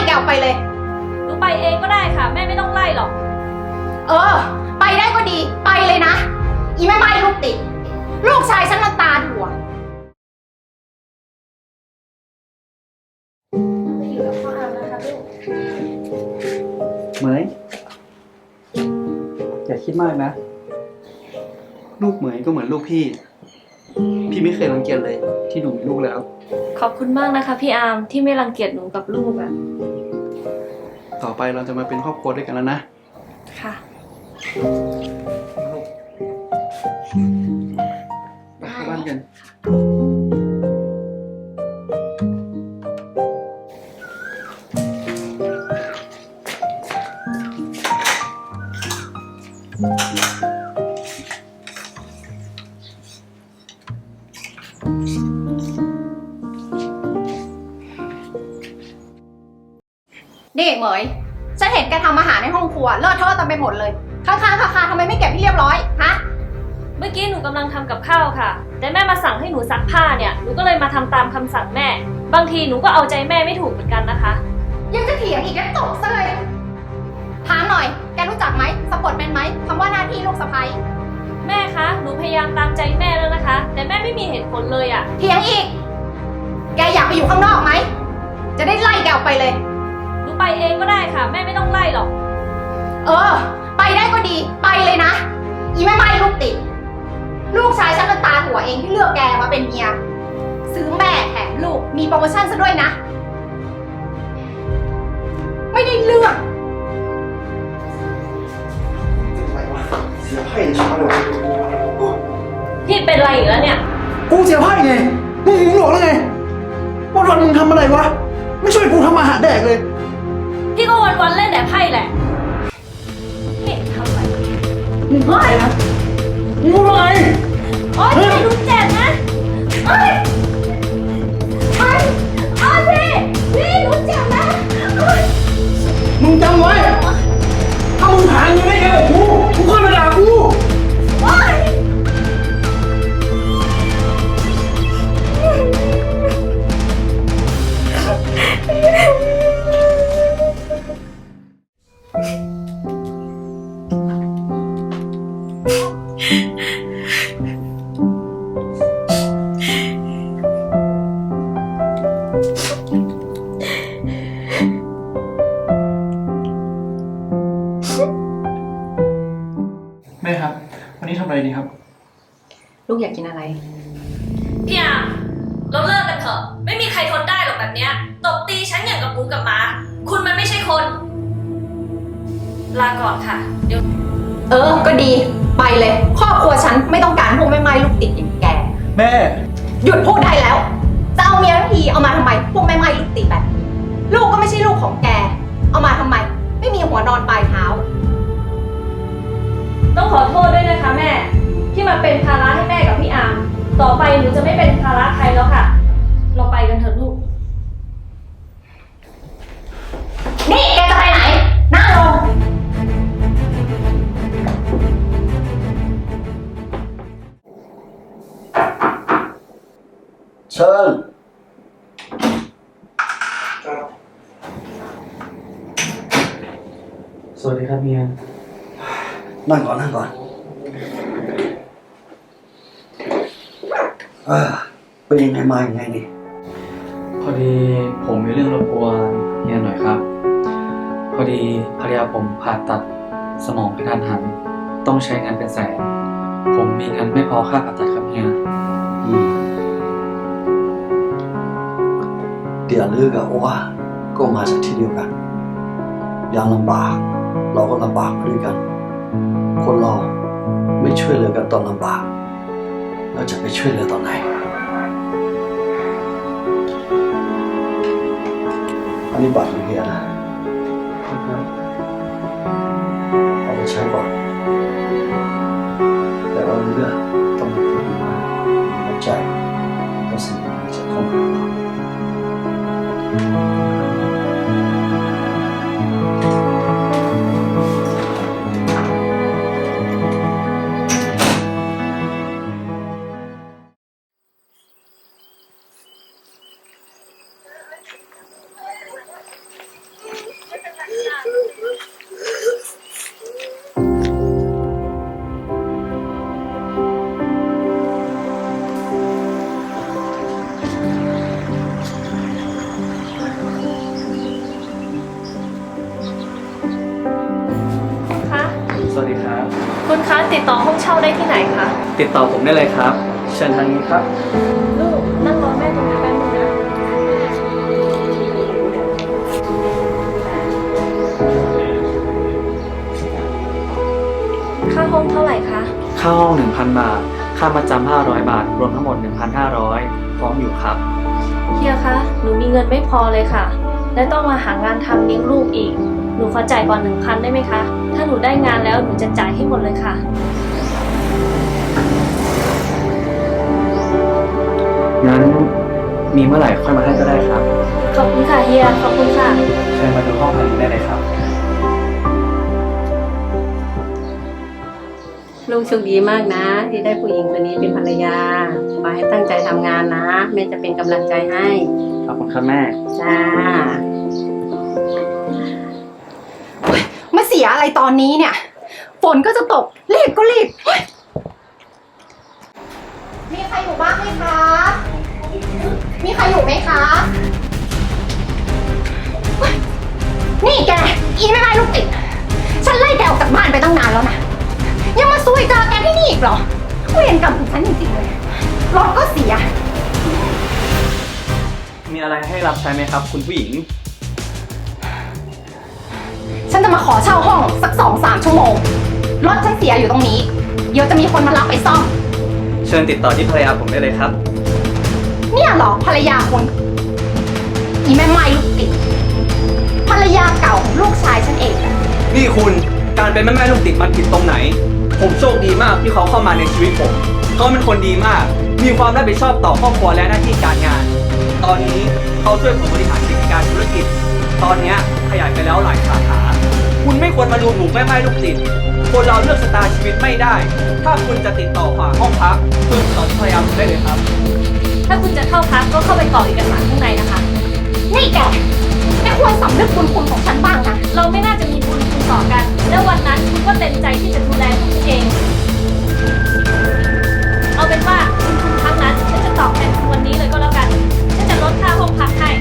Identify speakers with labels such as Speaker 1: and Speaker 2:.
Speaker 1: แกออกไปเลย
Speaker 2: หนูไปเองก็ได้ค่ะแม่ไม่ต้องไล่หรอก
Speaker 1: เออไปได้ก็ดีไปเลยนะอีแม่ไม้ลูกติดลูกชายฉันมันตาถั่วอยู่กับพ่ออามนะคะลูก
Speaker 3: เหมยอย่าคิดมากนะลูกเหมยก็เหมือนลูกพี่ไม่เคยรังเกียจเลยที่หนูมีลูกแล้ว
Speaker 2: ขอบคุณมากนะคะพี่อาร์มที่ไม่รังเกียจหนูกับลูกอะ
Speaker 3: ต่อไปเราจะมาเป็นครอบครัวด้วยกันแล้วนะ
Speaker 2: ค่ะ
Speaker 3: ไปเข้าบ้านกัน
Speaker 1: นี่เหมยฉันเห็นแกทำอาหารในห้องครัวเลอะเทอะเต็มไปหมดเลยค้างๆคาๆทำไมไม่เก็บให้เรียบร้อยฮะ
Speaker 2: เมื่อกี้หนูกำลังทำกับข้าวค่ะแต่แม่มาสั่งให้หนูซักผ้าเนี่ยหนูก็เลยมาทำตามคำสั่งแม่บางทีหนูก็เอาใจแม่ไม่ถูกเหมือนกันนะคะ
Speaker 1: ยังจะเถียงอีกแล้วตบซะเลยถามหน่อยแกรู้จักไหมสะกดเป็นไหมคำว่าหน้าที่ลูกสะใภ้
Speaker 2: แม่คะหนูพยายามตามใจแม่แล้วนะคะแต่แม่ไม่มีเหตุผลเลยอะ
Speaker 1: เถียงอีกแกอยากไปอยู่ข้างนอกไหมจะได้ไล่แกออกไปเลย
Speaker 2: หนูไปเองก็ได้ค่ะแม่ไม่ต้องไล่หรอก
Speaker 1: เออไปได้ก็ดีไปเลยนะอีแม่ไม้ลูกติดลูกชายฉันเป็นตาหัวเองที่เลือกแกมาเป็นเมียซื้อแม่แถมลูกมีโปรโมชั่นซะด้วยนะไม่ได้เลือก
Speaker 4: เสียไพ่ช้าเลย
Speaker 2: พี่เป็นไรอีกแล้วเนี่ย
Speaker 4: กูเสียไพ่ไงมึงหูหลอกแล้วไงวันมึงทำอะไรวะไม่ช่วยกูทำอาหารแดกเลย
Speaker 2: พี่ก็วันเล่นแต่ไพ่แหละนี่ทำอะไร
Speaker 4: มึงอะไรนะมึงพูดอะไร
Speaker 2: โอ๊ยพี่รู้เจ็บนะโอ๊ยโอ๊ยโอ๊ยพี่รู้เจ็บนะโอ๊ย
Speaker 4: มึงจำไว้ถ้ามึงหาเงินได้เองกับกูค่อยมาด่ากู
Speaker 2: โอ๊ย
Speaker 3: แม่ครับวันนี้ทำอะไรดีครับ
Speaker 1: ลูกอยากกินอะไร
Speaker 2: พี่อาเราเลิกกันเถอะไม่มีใครทนได้หรอกแบบเนี้ยตบตีฉันอย่างกับหมูกับหมาคุณมันไม่ใช่คนลาก่อนค่ะเดี๋ยว
Speaker 1: ก็ดีไปเลยครอบครัวฉันไม่ต้องการพวกแม่ไม้ลูกติดอย่างแก
Speaker 3: แม่
Speaker 1: หยุดพูดได้แล้วจะเอาเมียทั้งทีเอามาทำไมพวกแม่ไม้ลูกติดแบบลูกก็ไม่ใช่ลูกของแกเอามาทำไมไม่มีหัวนอนปลายเท้า
Speaker 2: ต้องขอโทษด้วยนะคะแม่ที่มาเป็นภาระให้แม่กับพี่อาร์มต่อไปหนูจะไม่เป็นภาระใครแล้วค่ะเราไปกันเถอะลูก
Speaker 1: นี่แกจะไปไหนนั่งลง
Speaker 4: เชิญ
Speaker 3: สวัสดีครับเมีย
Speaker 4: นั่งก่อนเป็นยังไงมาอย่างไงนี่
Speaker 3: พอดีผมมีเรื่องรบกวนเฮียหน่อยครับพอดีภรรยาผมผ่าตัดสมองกระทันหันต้องใช้เงินเป็นแสนผมมีเงินไม่พอค่าผ่าตัดครับเฮีย
Speaker 4: เดี๋ยวลือกับว่าก็มาจากที่เดียวกันยามลำบากเราก็ลำบากด้วยกันคนเราไม่ช่วยเหลือกันตอนลำบากเราจะไปช่วยเหลือตอนไหนอันนี้บัตรของเฮียนะเอาไปใช้ก่อนแต่ว่าเรื่องต้องมีคนมาเข้าใจและสิ่งที่จะเข้ามา
Speaker 2: ติดต่อห้องเช่าได้ที่ไหนคะ
Speaker 3: ติดต่อผมได้เลยครับ เชิญทางนี้ครับ
Speaker 2: ลูกนั่งรอแม่ตรงนี้แป๊บนึงนะ ค่าห้องเท่าไหร่คะ
Speaker 3: ค่าห้อง 1,000 บาท ค่าประจำ500 บาท รวมทั้งหมด 1,500 พร้อมอยู่ครับ
Speaker 2: เฮียคะ หนูมีเงินไม่พอเลยค่ะ และต้องมาหางานทำเลี้ยงลูกอีก หนูขอจ่ายก่อน 1,000 ได้ไหมคะ ถ้าหนูได้งานแล้วหนูจะจ่ายให้หมดเลยค่ะ
Speaker 3: งั้นมีเมื่อไหร่ค่อยมาให้ก็ได้ครับ
Speaker 2: ขอบคุณค่ะเฮีย ขอบคุณค่ะ
Speaker 3: เชิญมาดูห้องภายในได้เลยครับ
Speaker 5: ลูกโชคดีมากนะ ที่ได้ผู้หญิงคนนี้เป็นภรรยาขอให้ตั้งใจทำงานนะแม่จะเป็นกำลังใจให้
Speaker 3: ขอบคุณครับแม่
Speaker 5: จ้า
Speaker 1: มาเสียอะไรตอนนี้เนี่ย ฝนก็จะตก รีบก็รีบเฮ้ยมีใครอยู่บ้างไหมคะ มีใครอยู่ไหมคะเฮ้ยนี่แก อีแม่ไม้ลูกติด ฉันไล่แกออกจากบ้านไปตั้งนานแล้วนะ ยังมาซุยเจอแกที่นี่อีกเหรอเวรกรรมของฉันจริงๆเลย รถก็เสีย
Speaker 3: มีอะไรให้รับใช้ไหมครับ คุณผู้หญิง
Speaker 1: ฉันจะมาขอเช่าห้องสัก2-3 ชั่วโมง รถฉันเสียอยู่ตรงนี้ เดี๋ยวจะมีคนมารับไปซ่อม
Speaker 3: เชิญติดต่อที่ภรรยาผมได้เลยครับ
Speaker 1: เนี่ยเหรอภรรยาคุณอีแม่ไม้ลูกติด ภรรยาเก่าของลูกชายฉันเองอะ
Speaker 3: นี่คุณการเป็นแม่ลูกติดมันผิดตรงไหน ผมโชคดีมากที่เขาเข้ามาในชีวิตผมเขาเป็นคนดีมาก มีความรับผิดชอบต่อครอบครัวและหน้าที่การงาน ตอนนี้เขาช่วยผมบริหารกิจการธุรกิจ ตอนนี้ขยายไปแล้วหลายสาขา คุณไม่ควรมาดูถูกแม่ลูกติด คนเราเลือกชะตาชีวิตไม่ได้ ถ้าคุณจะติดต่อฝากห้องพักคุณติดต่อที่ภรรยาผมได้เลยครับ
Speaker 2: ถ้าคุณจะเข้าพักก็เข้าไปกรอกเอกสารข้างในนะคะ
Speaker 1: นี่แกควรสำนึกบุญคุณของฉันบ้างนะ
Speaker 2: เราไม่น่าจะมีบุญคุณต่อกัน แล้ววันนั้นคุณก็เต็มใจที่จะดูแลลูกเอง เอาเป็นว่าคุณครั้งนั้นฉันจะตอบแทนคุณวันนี้เลยก็แล้วกัน ฉันจะลดค่าห้องพักให้